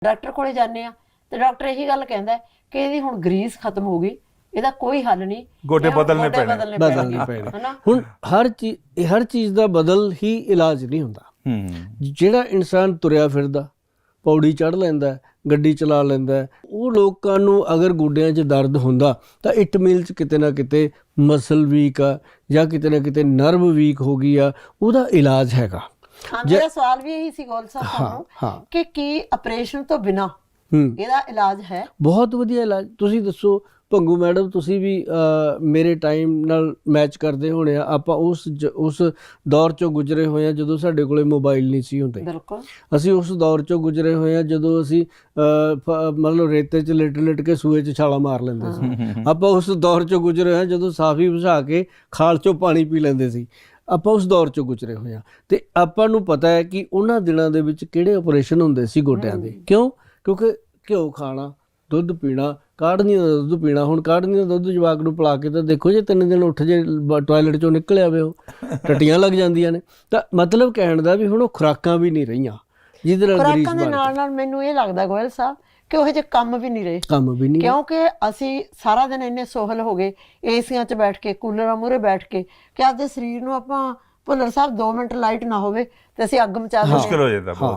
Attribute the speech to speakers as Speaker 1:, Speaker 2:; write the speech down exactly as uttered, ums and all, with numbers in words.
Speaker 1: Doctor ਕੋਲੇ ਜਾਂਦੇ ਆ ਤੇ ਡਾਕਟਰ ਇਹੀ ਗੱਲ ਕਹਿੰਦਾ ਕਿ ਇਹਦੀ ਹੁਣ ਗਰੀਸ ਖਤਮ ਹੋ ਗਈ, ਇਹਦਾ ਕੋਈ ਹੱਲ ਨਹੀਂ,
Speaker 2: ਗੋਡੇ ਬਦਲਨੇ ਪੈਣੇ
Speaker 3: ਬਦਲਨੇ ਪੈਣੇ ਹੁਣ ਹਰ ਚੀਜ਼ ਹਰ ਚੀਜ਼ ਦਾ ਬਦਲ ਹੀ ਇਲਾਜ ਨਹੀਂ ਹੁੰਦਾ। ਜਿਹੜਾ ਇਨਸਾਨ ਤੁਰਿਆ ਫਿਰਦਾ, ਪੌੜੀ ਚੜ੍ਹ ਲੈਂਦਾ, ਗੱਡੀ ਚਲਾ ਲੈਂਦਾ, ਉਹ ਲੋਕਾਂ ਨੂੰ ਅਗਰ ਗੋਡਿਆਂ 'ਚ ਦਰਦ ਹੁੰਦਾ ਤਾਂ ਇਟ ਮੀਲ 'ਚ ਕਿਤੇ ਨਾ ਕਿਤੇ ਮਸਲ ਵੀਕ ਆ ਜਾਂ ਕਿਤੇ ਨਾ ਕਿਤੇ ਨਰਵ ਵੀਕ ਹੋ ਗਈ ਆ, ਉਹਦਾ ਇਲਾਜ ਹੈਗਾ।
Speaker 1: ਹਾਂ, ਮੇਰਾ ਸਵਾਲ ਵੀ ਇਹੀ ਸੀ ਗੋਲ ਸਾਹਿਬ ਤੁਹਾਨੂੰ ਕਿ ਕੀ ਆਪਰੇਸ਼ਨ ਤੋਂ ਬਿਨਾ ਇਹਦਾ ਇਲਾਜ ਹੈ? ਬਹੁਤ ਵਧੀਆ ਇਲਾਜ। ਤੁਸੀਂ ਦੱਸੋ ਭੰਗੂ ਮੈਡਮ, ਤੁਸੀਂ ਵੀ ਮੇਰੇ ਟਾਈਮ ਨਾਲ ਮੈਚ ਕਰਦੇ ਹੋਣੇ ਆ। ਆਪਾਂ ਉਸ ਉਸ ਦੌਰ 'ਚੋਂ ਗੁਜ਼ਰੇ ਹੋਏ ਆ ਜਦੋਂ ਸਾਡੇ ਕੋਲੇ ਮੋਬਾਈਲ ਨਹੀਂ ਸੀ ਹੁੰਦੇ। ਬਿਲਕੁਲ,
Speaker 3: ਅਸੀਂ ਉਸ ਦੌਰ 'ਚੋਂ ਗੁਜ਼ਰੇ ਹੋਏ ਆ ਜਦੋਂ ਅਸੀਂ ਮਤਲਬ ਰੇਤੇ 'ਚ ਲਿਟ ਲਿਟ ਕੇ ਸੂਏ 'ਚ ਛਾਲਾਂ ਮਾਰ ਲੈਂਦੇ ਸੀ। ਆਪਾਂ ਉਸ ਦੌਰ 'ਚੋਂ ਗੁਜ਼ਰੇ ਹੋਏ ਆ ਜਦੋਂ ਸਾਫੀ ਵਸਾ ਕੇ ਖਾਲ 'ਚੋਂ ਪਾਣੀ ਪੀ ਲੈਂਦੇ ਸੀ। ਆਪਾਂ ਉਸ ਦੌਰ 'ਚੋਂ ਗੁਜ਼ਰੇ ਹੋਏ ਆ ਅਤੇ ਆਪਾਂ ਨੂੰ ਪਤਾ ਹੈ ਕਿ ਉਹਨਾਂ ਦਿਨਾਂ ਦੇ ਵਿੱਚ ਕਿਹੜੇ ਆਪਰੇਸ਼ਨ ਹੁੰਦੇ ਸੀ ਗੋਡਿਆਂ ਦੇ। ਕਿਉਂ? ਕਿਉਂਕਿ ਘਿਓ ਖਾਣਾ, ਦੁੱਧ ਪੀਣਾ, ਕਾੜ੍ਹਨੀ ਦਾ ਦੁੱਧ ਪੀਣਾ। ਹੁਣ ਕਾੜ੍ਹਨੀ ਦਾ ਦੁੱਧ ਜਵਾਕ ਨੂੰ ਪਿਲਾ ਕੇ ਤਾਂ ਦੇਖੋ ਜੇ ਤਿੰਨ ਦਿਨ ਉੱਠ ਜੇ ਟੋਇਲਟ 'ਚੋਂ ਨਿਕਲ ਆਵੇ, ਉਹ ਟੱਟੀਆਂ ਲੱਗ ਜਾਂਦੀਆਂ ਨੇ। ਤਾਂ ਮਤਲਬ ਕਹਿਣ ਦਾ ਵੀ ਹੁਣ ਉਹ ਖੁਰਾਕਾਂ ਵੀ ਨਹੀਂ ਰਹੀਆਂ ਜਿਹਦੇ ਨਾਲ ਗਰੀਸ
Speaker 1: ਖੁਰਾਕਾਂ ਦੇ ਨਾਲ ਨਾਲ ਮੈਨੂੰ ਇਹ ਲੱਗਦਾ ਗੋਇਲ ਸਾਹਿਬ ਕਿ ਉਹ ਜਿਹੇ ਕੰਮ ਵੀ ਨਹੀਂ ਰਹੇ।
Speaker 3: ਕੰਮ ਵੀ ਨਹੀਂ,
Speaker 1: ਕਿਉਂਕਿ ਅਸੀਂ ਸਾਰਾ ਦਿਨ ਇੰਨੇ ਸੋਹਲ ਹੋ ਗਏ ਏਸੀਆਂ 'ਚ ਬੈਠ ਕੇ, ਕੂਲਰਾਂ ਮੂਹਰੇ ਬੈਠ ਕੇ, ਕਿ ਆਪਦੇ ਸਰੀਰ ਨੂੰ ਆਪਾਂ ਭੁੱਲਰ ਸਾਹਿਬ ਦੋ ਮਿੰਟ ਲਾਈਟ ਨਾ ਹੋਵੇ ਤੇ ਅਸੀਂ ਅੱਗ ਮਚਾ ਦਿੰਦੇ।
Speaker 2: ਮੁਸ਼ਕਿਲ ਹੋ ਜਾਂਦਾ।